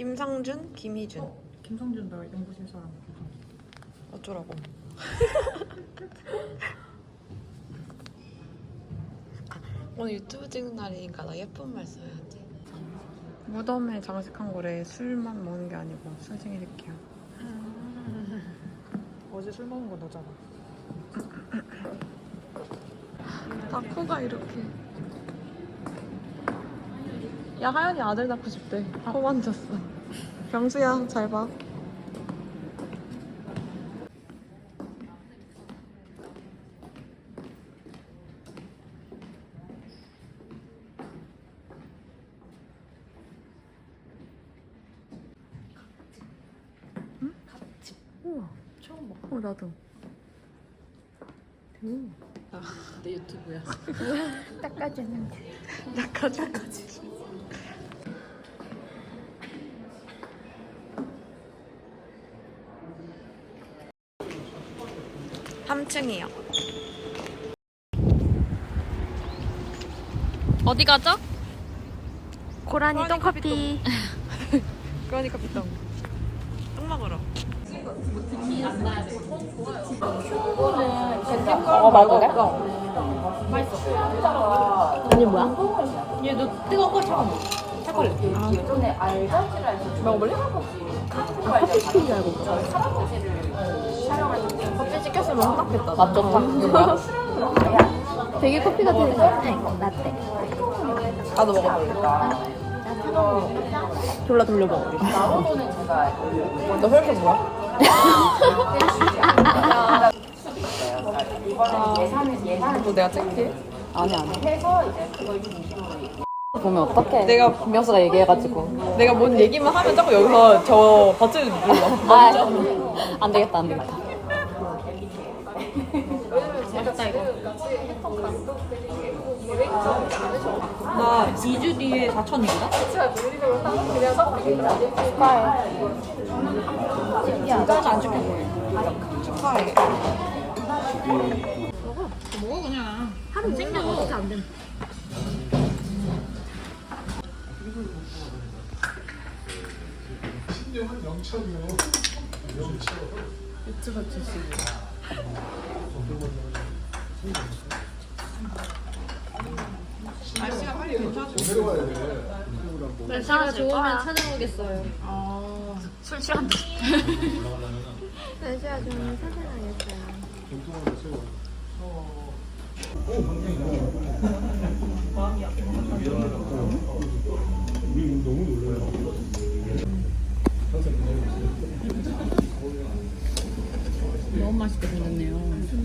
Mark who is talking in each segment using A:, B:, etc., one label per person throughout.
A: 김상준, 김희준.
B: 김성준 나 연구실 사람.
A: 어쩌라고. 오늘 유튜브 찍는 날이니까 나 예쁜 말 써야지. 무덤에 장식한 거래. 술만 먹는 게 아니고 술 챙겨드릴게요.
B: 어제 술 먹은 거 너잖아.
A: 다 코가 이렇게. 야, 하연이 아들 낳고 싶대. 코 만졌어. 병수야, 잘 봐. 응? 우와, 처음 봐. 나도.
B: 내 유튜브야.
C: 닦아주는 게.
A: 낚아줘야지. (3층이요)
C: 어디 가죠? 고라니 똥커피.
A: 그러니까 비똥. 똥 먹으러.
C: 먹어봐도 돼? 이게 뭐야?
B: 얘너 뜨거운 거 차가운 거? 차가워.
A: 먹어볼래?
C: 커피 시킨 줄 알고.
A: 커피 시켰으면 혼났겠다.
C: 맛 좋다. 되게 커피 같은 거. 이거 라떼.
A: 나도 먹어볼래. 졸라 돌려 먹어. 너 혈액 뭐야? 뭐 내가 찍게?
C: 아니. 보면 어떡해.
A: 내가
C: 김명수가 얘기해가지고.
A: 내가 뭔 얘기만 하면 자꾸 여기서 저 버튼을 눌러.
C: 아, 안 되겠다.
B: 나 2주 뒤에 4천이거든? 진짜 안 찍힐 거예요.
A: 축하해.
B: 먹어 그냥.
C: 하루 챙겨 먹어도 안 돼.
A: 유튜버 출신. 날씨가 빨리 괜찮아지고.
C: 날씨가 좋으면 찾아오겠어요.
A: 술 취한다.
C: 날씨가 좋으면 찾아가겠어요.
B: 너무 맛있게 생겼네요.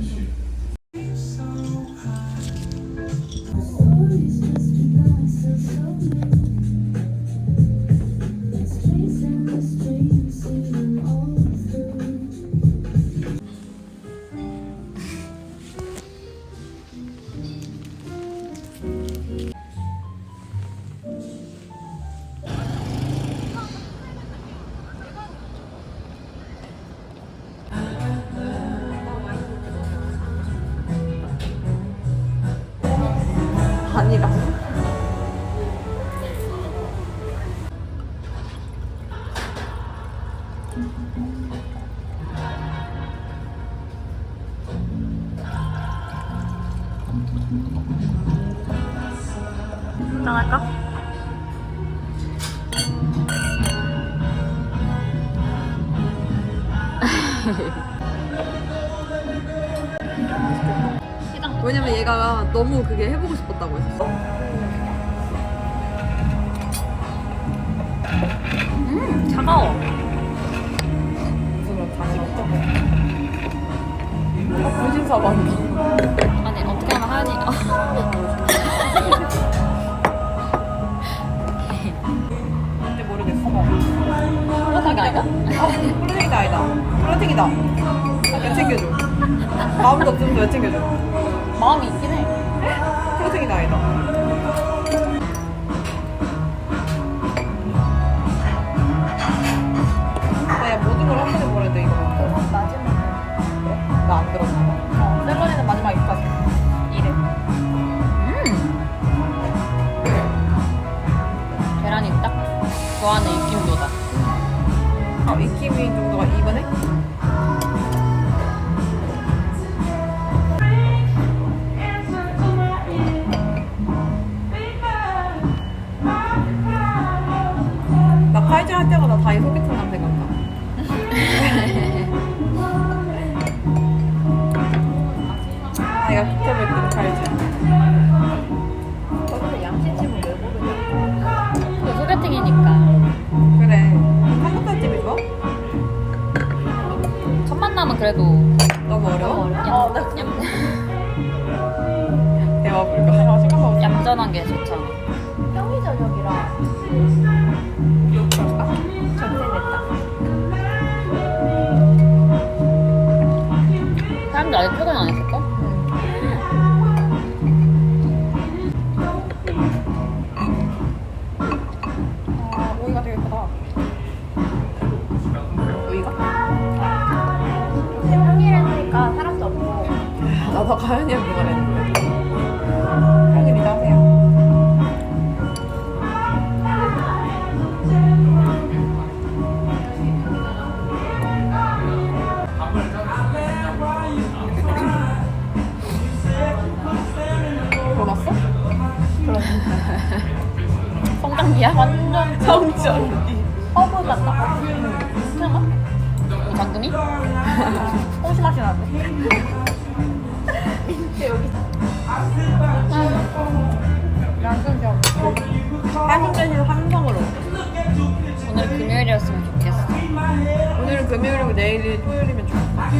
A: 아니라.
C: 나갈까?
A: 왜냐면 얘가 너무 그게 해보고 싶었다고 했었어.
C: 차가워.
A: 분신사반다.
C: 아니 어떻게 하면 하니?
A: 근데 모르겠어.
C: 그렇게 아닌가?
A: 플러팅이다 아니다. 플러팅이다. 왜 챙겨줘? 마음도 없으면서 왜 챙겨줘?
C: 마음이 있긴 해.
A: 플러팅이다 아니다. 야, 모든 걸 한 번에 버려야 돼, 이거. 나 안 들었나 봐. 셀러리는 마지막 입까지. 이래.
C: 계란이 딱 좋아하는 입김도다.
A: 내가 극혐했던 칼질.
C: 저는 양치찜을 왜 모르냐? 그 소개팅이니까.
A: 그래. 한국 칼집이 좋아?
C: 첫 만남은 그래도
A: 너무 어려워? 대화 불가. 생각하고
C: 얌전한 게 좋잖아.
D: 평일 저녁이라 전세냈다.
C: 사람들 아직 퇴근 안 했을걸?
B: 오이가 되게 크다.
A: 우이가?
D: 평일이니까 사람도 없고
A: 나도 가연이 형 그걸 했는데. 평일이다 하세요. 돌았어?
C: 성장기야? 완전
A: 성전기.
D: 허브 같다.
C: 괜찮아? 장금이?
B: 홍시 맛이 나는데.
A: 한국 대신 삼성으로.
C: 오늘 금요일이었으면 좋겠어.
A: 오늘은 금요일이고 내일이 토요일이면 좋겠다.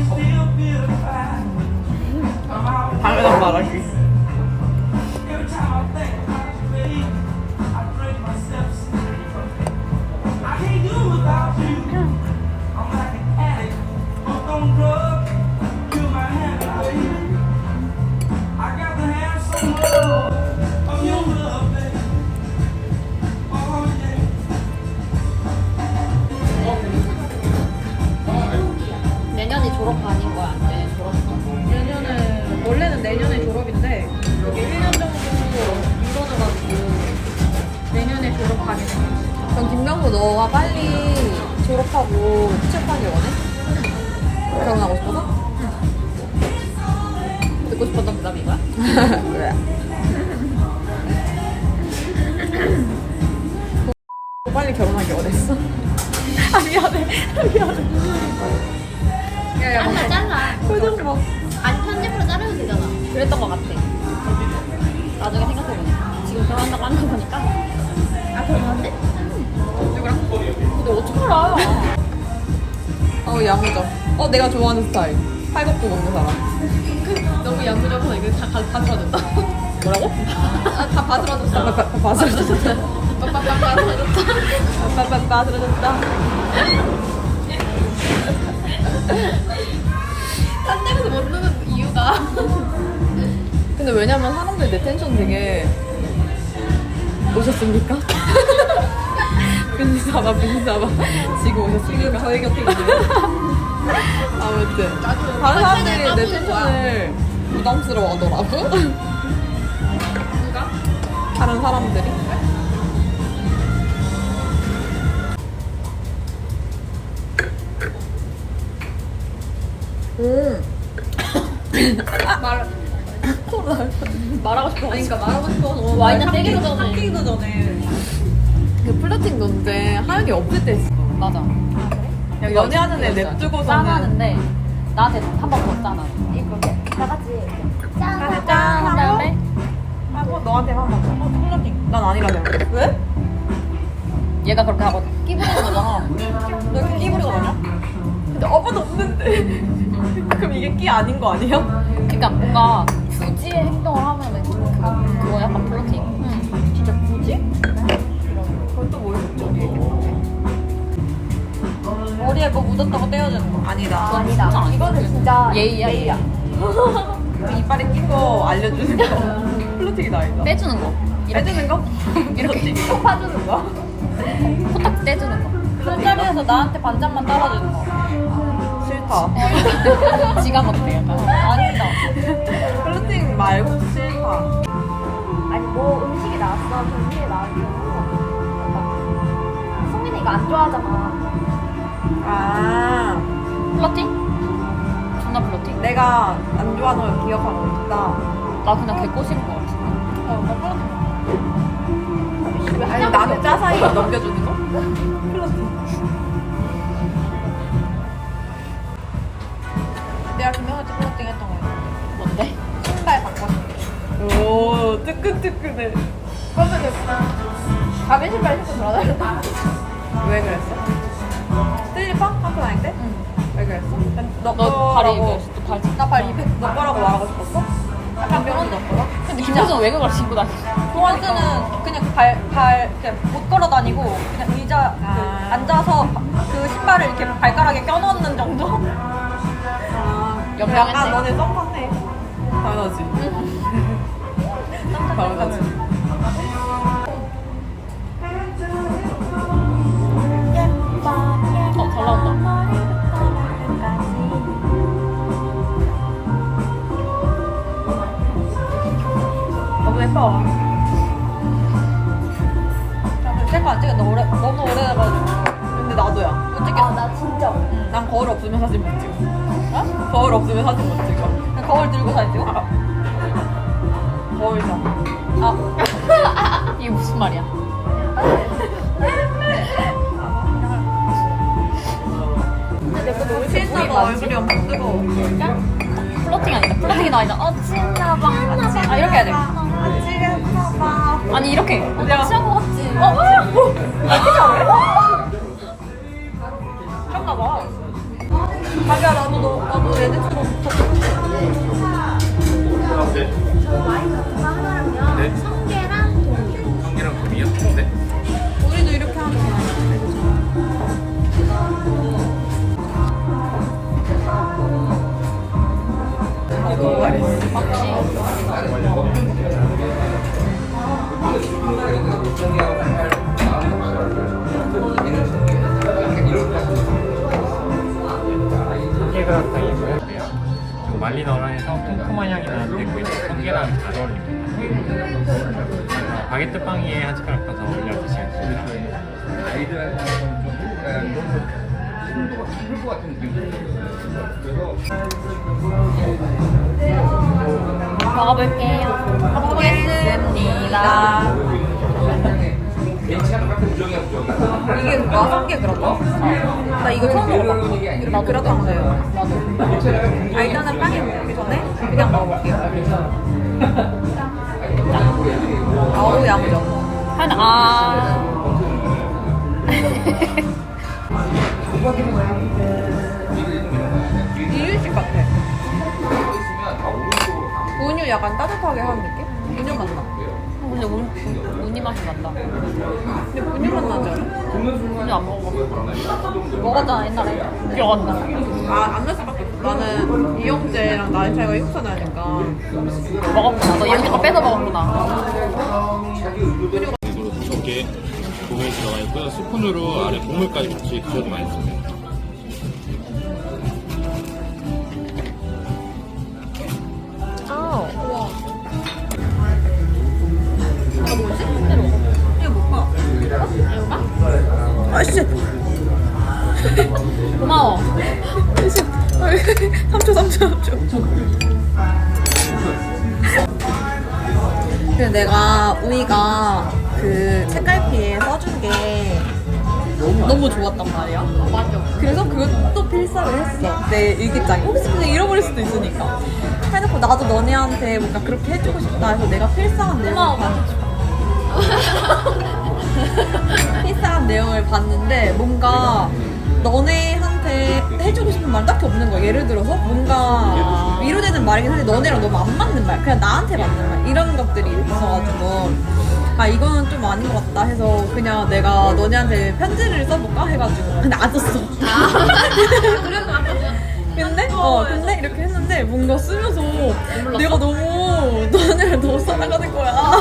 A: 당연한 말하기.
C: 내년이 졸업 아닌 거야? 네, 졸업.
B: 내년은 원래는 내년에 졸업인데 이게 1년 정도 미뤄져가지고 내년에 졸업하게 된
A: 그럼 김명수 너가 빨리 졸업하고 취업하길 원해? 결혼하고 싶어서?
C: 듣고 싶었던 대답이 이거야?
A: 그래. 너 빨리 결혼하길 원했어? 아 미안해. 야야
D: 잘라 잘라.
A: 표정 봐.
D: 아니 편집으로 자르면 되잖아.
C: 그랬던 것 같아. 나중에 생각해보니까. 지금 결혼한다고 하는 거 보니까.
D: 아 그러는데?
C: 근데 어떡하라.
A: 야무져. 내가 좋아하는 스타일. 팔굽고 먹는 사람.
C: 너무 야무져서 이거 다 받쳐준다.
A: 뭐라고?
C: 다 받쳐줬어.
A: 바스러졌다.
C: 빡빡빡 받쳐줬다.
A: 바스러졌다.
C: 딴 데에서 모르는 이유가.
A: 근데 왜냐면 사람들 내 텐션 되게 오셨습니까? 빈사바 지금 오셨습니까? 저희 곁에 있네요. 아무튼 다른 사람들이 내 텐션을 부담스러워 하더라고.
C: 누가?
A: 다른 사람들이.
C: 말하고 싶어.
B: 그러니까 말하고 싶어서
C: 와인은 떼기도 전에.
B: 삼키기도 전에
A: 그 플러팅 논제 하연이 없을 때 했어.
C: 맞아.
A: 야, 연애하는 애 냅두고서는
C: 짠하는데 나한테 한 번 더 짠하.
D: 이렇게 다 같이 이렇게 짠.
A: 짠
C: 한 다음에
A: 너한테 한 번. 플러팅. 난 아니라 생각해. 왜?
C: 얘가 그렇게 하고 끼부리는 거잖아.
A: 너 이렇게 끼부리고 다녀? 근데 아무도 없는데. 그럼 이게 끼 아닌 거 아니야?
C: 그러니까 뭔가 굳이 행동을 하면은 그거 약간 플러팅.
A: 진짜 굳이? 그건 또 뭐야?
B: 머리에 뭐 묻었다고 떼어주는 거.
A: 아니다.
D: 아니다.
C: 진짜 아니야.
D: 이거는 진짜
C: 예의야.
A: 이빨에 낀 거 알려주는 거. 플러팅이 아니다.
C: 떼주는 거.
A: 해주는 거?
C: 이렇게
D: 파주는 거.
C: 코딱 떼주는 거.
B: 술자리에서 나한테 반잔만 따라주는 거.
A: 싫다.
C: 지가 못해 약간.
B: 아니다.
A: 플러팅 말고 싫다.
D: 아니 뭐 음식이 나왔어. 음식이 나왔어. 송민이 이거 안 좋아하잖아.
A: 아,
C: 플러팅? 존나 플러팅.
A: 내가 안 좋아하는 걸 기억하고 있다.
C: 나 그냥 개꼬시는 거 같은데.
A: 아니, 나는 짜사이 넘겨주는 거? 플러팅.
B: 내가 김영한테 플러팅 했던 거 있는데.
C: 뭔데?
B: 신발
A: 뜨끈뜨끈해.
D: 그러면 가빈 신발 신고 돌아다녔다.
A: 왜 그랬어? 슬리퍼? 학교 다닐 때?
C: 응.
A: 왜 그랬어?
C: 너 발이 이거 발.
B: 나발 200, 너 거라고 말하고 싶었어? 약간 그런 거 거라?
C: 근데 김호준 왜 그걸 신고 다니?
B: 동원스는 그냥 그냥 못 걸어 다니고 그냥 의자 그 앉아서 그 신발을 이렇게 발가락에 껴넣는 정도?
C: 연명했네.
A: 너네 썸 탔네. 당연하지. 당연하지.
C: 잘 나온다.
A: 너무 예뻐.
B: 셀카 안 찍었다. 너무 오래돼가지고.
A: 근데 나도야.
B: 못 찍겠어.
D: 나 진짜.
A: 난 거울 없으면 사진 못 찍어. 거울 없으면 사진 못 찍어.
B: 그냥 거울 들고 사진 찍어?
A: 거울이잖아.
C: 이게 무슨 말이야?
A: 실사가 얼굴이 엄청 뜨거워.
C: 플러팅 아니다. 플러팅이 아니다. 친나방. 아 이렇게 해야 돼. 아니 이렇게. 친한 거 같지.
B: 그런가 봐. 자기야 나도 얘네처럼
D: 와인 같은 거 하나랑요.
E: 네.
D: 성게랑 돈.
E: 성게랑 금이요? 네.
A: 우리도 이렇게 하면 되나? 너무 맛있어.
E: 성게그라탕이고요. 지금 말리너랑에서 쿰쿰한 향이 나는데 그 성게랑 잘 어울립니다. 바게트 빵 위에 한 숟가락 떠서 올려 드시면 됩니다.
C: 먹어볼게요.
B: 먹어보겠습니다. 이게 뭐야? 성게 그라탕? 나 이거 처음 먹어봐. 이렇게 그라탕이에요. 아 일단은 빵이 먹기 전에 그냥 먹어볼게요. 아우 야무져. 이유식 같아. 우유 약간 따뜻하게 하는 느낌? 우유 맛 나.
C: 근데 우니 맛이 난다.
B: 근데 우유 맛 나지 않아?
C: 우니 안 먹어봤어.
B: 먹었잖아 옛날에.
C: 기억 안 나.
A: 안 날 수밖에 없어. 나는 이영재랑 나이 차이가 6살 나니까.
C: 먹었구나. 너 얘네 거 뺏어 먹었구나.
E: 저게 국물이 들어가 있고요. 스푼으로 아래 국물까지 같이 드셔도 맛있습니다.
C: 고마워.
A: 3초. 근데 내가 우이가 그 책갈피에 써준 게 너무 좋았단 말이야.
C: 맞아.
A: 그래서 그것도 필사를 했어. 내 일기장에. 혹시 그냥 잃어버릴 수도 있으니까. 해놓고 나도 너네한테 뭔가 그렇게 해주고 싶다 해서 내가 필사한 내용을 필사한 내용을 봤는데 뭔가 너네한테 해주고 싶은 말 딱히 없는 거야. 예를 들어서 뭔가 위로되는 말이긴 한데 너네랑 너무 안 맞는 말, 그냥 나한테 맞는 말 이런 것들이 있어가지고 아 이거는 좀 아닌 것 같다 해서 그냥 내가 너네한테 편지를 써볼까 해가지고 근데 안 썼어.
C: 그래도 안 썼어.
A: 근데 이렇게 했는데 뭔가 쓰면서 내가 너무 너네를 너무 사랑하는 거야.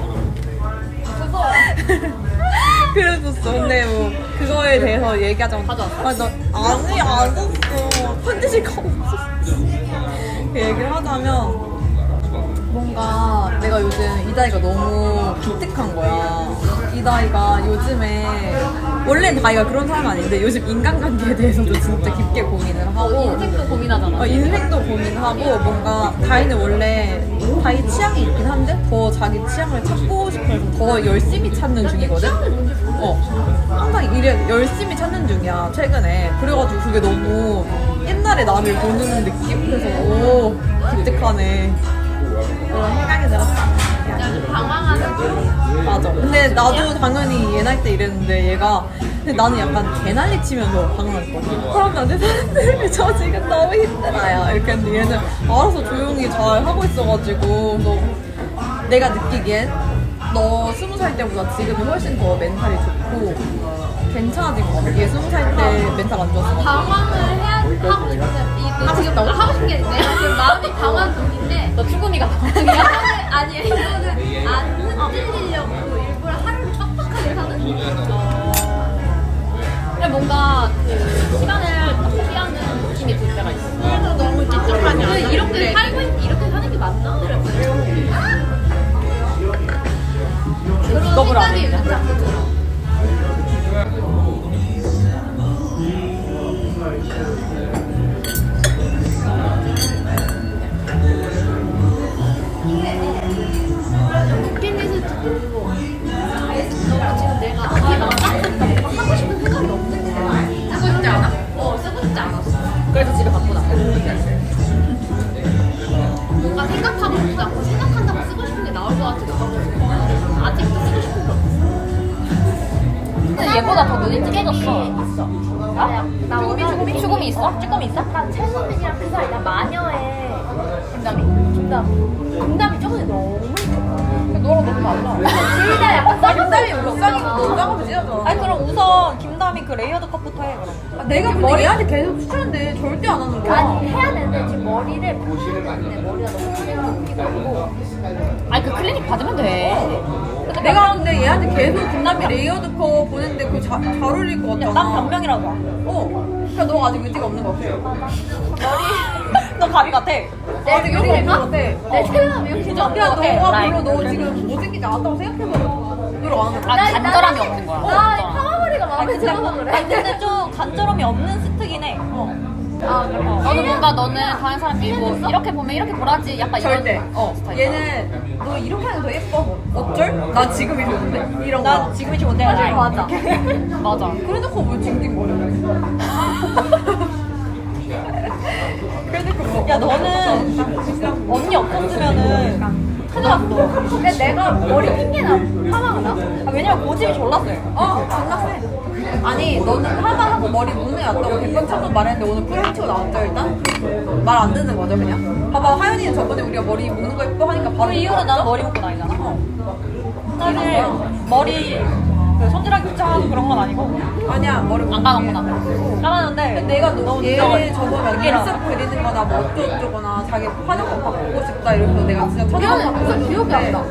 A: 그랬었어. 근데 뭐 그거에 대해서 얘기하자면
C: 가져왔어?
A: 아니 안 썼어. 편지지가 없었어. 그 얘기를 하자면 뭔가 내가 요즘 이다희가 너무 기특한 거야. 이다희가 요즘에 원래는 다희가 그런 사람 아닌데 요즘 인간관계에 대해서도 진짜 깊게 고민을 하고
C: 인생도 고민하잖아.
A: 인생도 고민하고 뭔가 다희는 원래 다희 취향이 있긴 한데 더 자기 취향을 찾고 싶어서 더 열심히 찾는 중이거든? 항상 열심히 찾는 중이야 최근에. 그래가지고 그게 너무 옛날에 나를 보는 느낌? 그래서 오 기특하네 그런 생각이 들었어.
C: 방황하는 거.
A: 맞아. 근데 나도 당연히 얘 나이 때 이랬는데 얘가 근데 나는 약간 개난리 치면서 방황했거든. 사람들한테 사람들이 저 지금 너무 힘들어요. 이렇게 했는데 얘는 알아서 조용히 잘 하고 있어가지고 그래서 내가 느끼기엔 너 20살 때보다 지금이 훨씬 더 멘탈이 좋고 괜찮아진 것 같아. 얘 20살 때 멘탈 안 좋았어.
C: 방황을 해야 하고 싶은데 이거 지금 하고 싶은 게 내가 지금 마음이 방황 중인데
B: 너 쭈구미가 방황이야?
C: 아니 이거는 안 흔들리려고 일부러 하루를 빡빡하게 사는
B: 근데 뭔가 그 시간을 피하는 느낌이 들 때가 있어.
C: 그래도 너무 찝찝하냐 이렇게 살고 이렇게 사는 게 맞나? 그런
B: 직업을 안
C: 생각이
B: 했냐?
C: 자꾸 들어. 버킷리스트 들고 너무 지금 내가 이게 맞나? 하고 싶은 생각이 없는데 쓰고 싶지 않아? 쓰고 싶지 않았어.
B: 그래서 집에 갖고 나가.
C: 뭔가 생각하고 싶지 않고 생각한다고 쓰고 싶은 게 나올 것 같지도 하고 아직도 쓰고 싶은 게 없어.
B: 근데 얘보다 더 눈이 찌개졌어.
C: 나 원하는
B: 쭈구미 있어? 쭈구미 있어?
D: 나 최소민이랑 그 사이 나 마녀의 김담이 저번에 너무
B: 너랑 너무 달라.
D: 둘 다 약간
A: 김담이 울상이고 너 짱하면 찢어져.
B: 아니 그럼 우선 김담이 그 레이어드 컷부터 해 그럼.
A: 내가 근데 얘한테 계속 추천했는데 절대 안 하는 거야.
D: 아니 해야 되는데 지금 머리를 보시는데 머리가 너무 크게 피고 있고
B: 아니 그 클리닉 받으면 돼.
A: 내가 근데 얘한테 계속 김남이 레이어드 컷 보냈는데 그거 잘 어울릴 것 같잖아.
B: 난 변명이라고.
A: 그러니까 너가 아직 의지가 없는 것 같아.
B: 너 가비 같아.
A: 아직 의지가 없는 것 같아.
D: 내 생각하면 이렇게
B: 진짜
A: 야,
B: 없는 것
A: 너가
B: 같아.
A: 별로 너 지금 못생기지 않았다고 생각해서 노력 안 하는 거야.
B: 아 간절함이 없는 거야.
D: 나 파마머리가 마음에 들어서 그래.
B: 아니 근데 좀 간절함이 없는 스트긴 해. 너는 뭔가 너는 다른 사람 밀고 이렇게 보면 이렇게 보라지 약간
A: 절대.
B: 이런 스타일.
A: 얘는 너 이렇게 하면 더 예뻐. 어쩔? 나 지금이 좋은데. 이런 거.
B: 난 지금이 좋은데
A: 맞아.
B: 맞아.
A: 그래놓고 왜 징징거려? 그래놓고 뭐.
B: 야 너는 언니 없었으면은 큰일 났어.
D: 근데 내가 머리 핑계나 파마가 나?
B: 아, 왜냐면 고집이 졸라 세.
A: 존나 세. 아니, 너는 파마하고 머리 묶는 게 낫다고 100번 천번 말했는데 오늘 프레임 치고 나왔죠, 일단? 말 안 듣는 거죠, 그냥? 봐봐, 하연이는 저번에 우리가 머리 묶는 거 예뻐 하니까 바로
B: 그 이유는 나는 머리 묶고 다니잖아. 사실 머리 그 손질하기 귀찮아서 그런 건 아니고
A: 아니야, 머리
B: 안 감았구나. 감았는데
A: 내가 얘 저번에
B: 느끼라.
A: 눈썹 그리는 거나 뭐 어쩌고저쩌거나 자기 화장품 바꾸고 싶다 이러면서 내가 진짜 찾아가서
D: 무슨 기억이 안 나.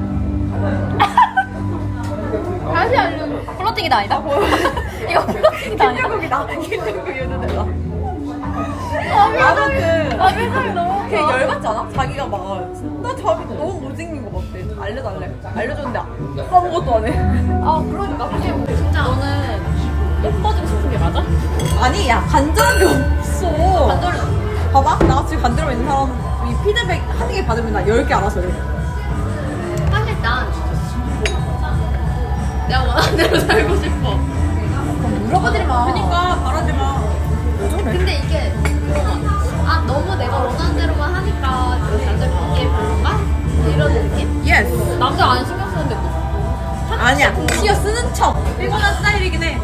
D: 다시 알려줘.
B: 플러팅이다 아니다? 이거 플러팅이다 아니다?
A: 김정국이다. 김정국이었는데 나. 아무튼 너무 걔 열받잖아? 자기가 막 나 자기 너무 못생긴 거 같대. 알려달래. 알려줬는데 아무것도 안 해.
D: 그러니까 그게
C: 진짜 너는
B: 예뻐지고 싶은 게 맞아?
A: 아니 야 간절함이 없어. 봐봐 나 지금 간절함 있는 사람이 피드백 한 개 받으면 나 10개 알아서 해.
C: 사실 난 내가 원하는 대로 살고 싶어.
A: 물어보지 마. 그러니까 바라지 마.
C: 근데 이게 너무 내가 원하는 대로만 하니까 남자 보기에 별론가? 이런 느낌?
A: 예스.
B: 남자 안 신경 쓰는데 뭐.
A: 아니야. 시어 쓰는 척. 피곤한 스타일이긴 해.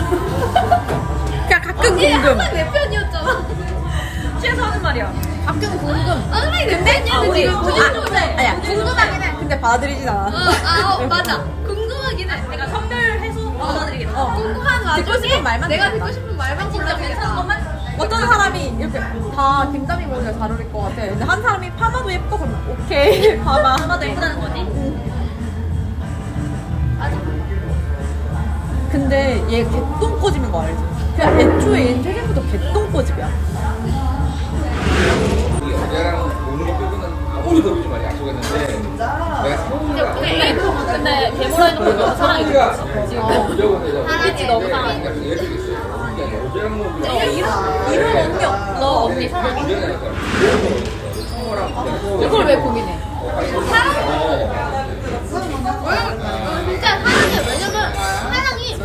A: 그냥 가끔 궁금.
C: 항상 내 편이었잖아.
A: 시에서 하는 말이야. 가끔 궁금.
C: 항상 내 편이었는데 지금 부정적으로 해.
A: 아니야. 궁금하긴 해. 근데 받아들이진 않아.
C: 맞아. 궁금하긴 해. 내가 선별해서 받아들이긴 해. 궁금한
A: 듣고
C: 와중에
A: 싶은 말만
C: 내가
A: 듣겠다.
C: 듣고 싶은 말만 진짜 괜찮은 것만
A: 어떤 사람이 이렇게 다 김다미 머리가 잘 어울릴 것 같아. 근데 한 사람이 파마도 예뻐 그럼 오케이. 파마도
C: 예쁘다는 거지? 맞아.
A: 근데 얘 개똥꼬집인 거 알지? 그냥 애초에 얘는 태생부터 개똥꼬집이야.
F: 어제랑 오늘 빼고는 아무리 지 말이 약속했는데 내가
B: 근데 데모라 해놓고 너무 사랑이 들었어.
C: 사랑해.
B: 너무 사랑해.
F: 어제랑 뭐
B: 이런 언니 없어. 너 언니 사랑해? 이걸 왜 고민해?
C: 진짜 사랑해. 왜냐면 사랑이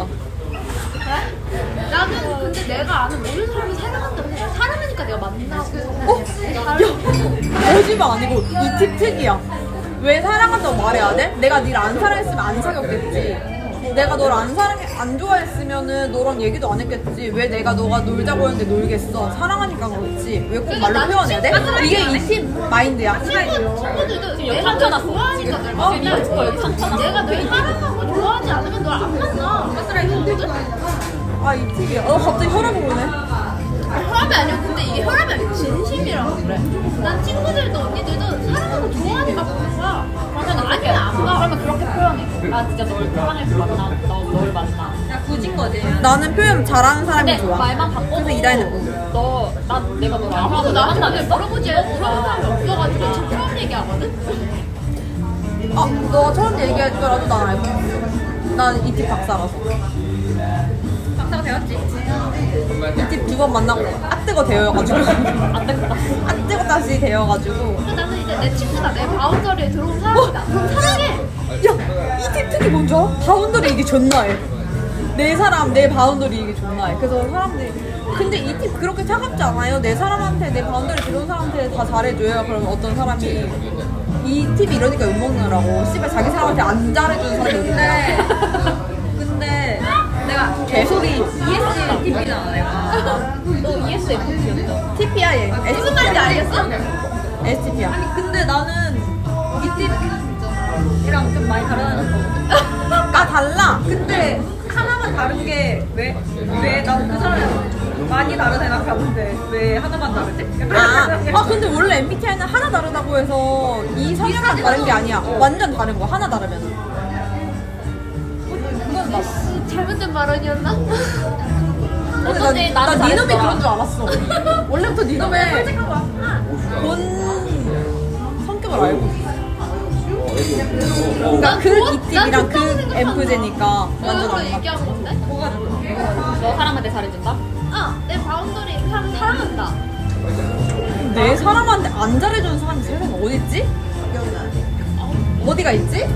C: 나는 근데 내가 아는 모든 사람이 사랑한다고 생각해. 사랑하니까 내가 만나고
A: 거짓말 아니고 이 팁 특이야. 왜 사랑한다고 말해야 돼? 내가 니를 안 사랑했으면 안 사귀었겠지. 내가 너를 안 좋아했으면은 너랑 얘기도 안 했겠지. 왜 내가 너가 놀자고 했는데 놀겠어? 사랑하니까 그렇지. 왜 꼭 말로 표현해야 돼? 이게 이 팀 마인드야.
C: 친구들도 내가 널 좋아하니까 널 만나. 내가 널 사랑하고 좋아하지 않으면 널 안 만나. 가스라이팅거든?
A: 아, 이 팁이야. 갑자기 혈압이 오네.
C: 혈압이 아니야. 근데 이게 혈압이 아니고 진심이라고 그래. 난 친구들도 언니들도 사랑하고 좋아하니까 보는 거야. 그러면 아니야 안 가.
B: 그러면 그렇게 표현해. 나 진짜 널 사랑해서 만나. 널 만나.
A: 야, 굳인 거지. 나는 표현 잘하는 사람이
B: 근데
A: 좋아.
B: 말만 바꿔도
A: 그래서 이다희는
B: 내가 너를 안
C: 아무도
B: 하고
C: 나한테
B: 나한테
C: 물어보지 물어본 사람이 없어가지고 지금 처음 얘기하거든?
A: 너가 처음 얘기할 거라도 난 알고 있어. 난 이 팁 박사라서.
C: 박사가 되었지.
A: 이 팁 두 번 만나고 뜨거 대여가지고. 뜨거 다시 대여가지고.
C: 근데 나는 이제 내 친구다 내 바운더리에 들어온 사람이다. 그럼 사랑해.
A: 야, 이 팁 특히 뭔지 알아? 바운더리 이게 존나 해. 내 사람, 내 바운더리 이게 존나 해. 그래서 사람들이 근데 이 팁 그렇게 차갑지 않아요? 내 사람한테, 내 바운더리 들어온 사람한테 다 잘해줘요. 그러면 어떤 사람이 이 팁이 이러니까 욕먹느라고 씨발 자기 사람한테 안 잘해주는 사람이 있는데 근데 내가 개소리 ES 팁이잖아 내가.
B: 너 ESFP였죠?
A: TP야 얘.
C: 무슨 말인지 알겠어?
A: STP야. 아니 근데 나는 이 팁이랑 좀 많이 다르다는 거. 아 달라. 근데 하나만 다른 게 왜 나는 그 사람이랑 많이 다르다 생각하는데 왜 하나만 다르지? 근데 원래 MBTI는 하나 다르다고 해서 이 성향만 다른 게 아니야. 완전 다른 거 하나 다르면은.
C: 잘못된 발언이었나?
A: 근데 나
B: 나는
A: 니놈이
B: 잘했어.
A: 그런 줄 알았어. 원래부터 니놈의 본 성격을 알고 있어. 그러니까 그 이팁이랑 그 엠프제니까 완전
C: 그거
A: 안 맞아.
C: 얘기한 건데?
B: 너 사람한테 잘해준다?
C: 내 바운더리 사람 사랑한다.
A: 내 사람한테 안 잘해주는 사람이 세상에 어딨지? 어디가 있지?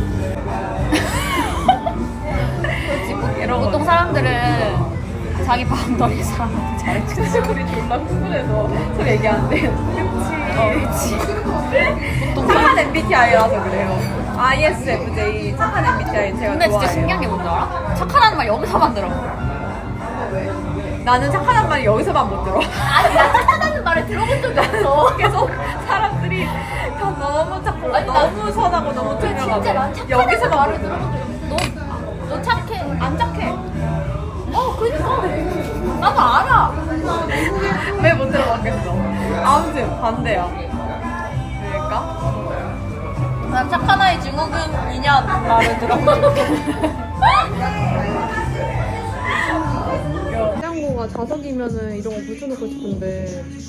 B: 보통 사람들은 자기 바운더리 사람한테 잘해주지.
A: 우리 존나 흥분해서 서로 얘기하는데 그치 보통 착한 MBTI라서 그래요. ISFJ 착한 MBTI 제가
B: 근데 진짜
A: 좋아해요.
B: 신기한 게 뭔지 알아? 착하다는 말 여기서만 들어.
A: 나는 착하단 말이 여기서만 못 들어.
C: 아니 나 착하다는 말을 들어본 적이 없어.
A: 계속 사람들이 다 너무 착하고 너무 선하고 너무 투명하고
C: 진짜 난 착하다는
A: 여기서만
C: 말을
A: 못 들어.
C: 들어본 적이 없어. 너 착해.
A: 안 착해.
C: 그러니까 나도 알아.
A: 왜 못 들어봤겠어? 아무튼 반대야. 그러니까 난 착한 아이 증후군이냐 말을 들어본 냉장고가 자석이면은 이런 거 붙여놓고 싶은데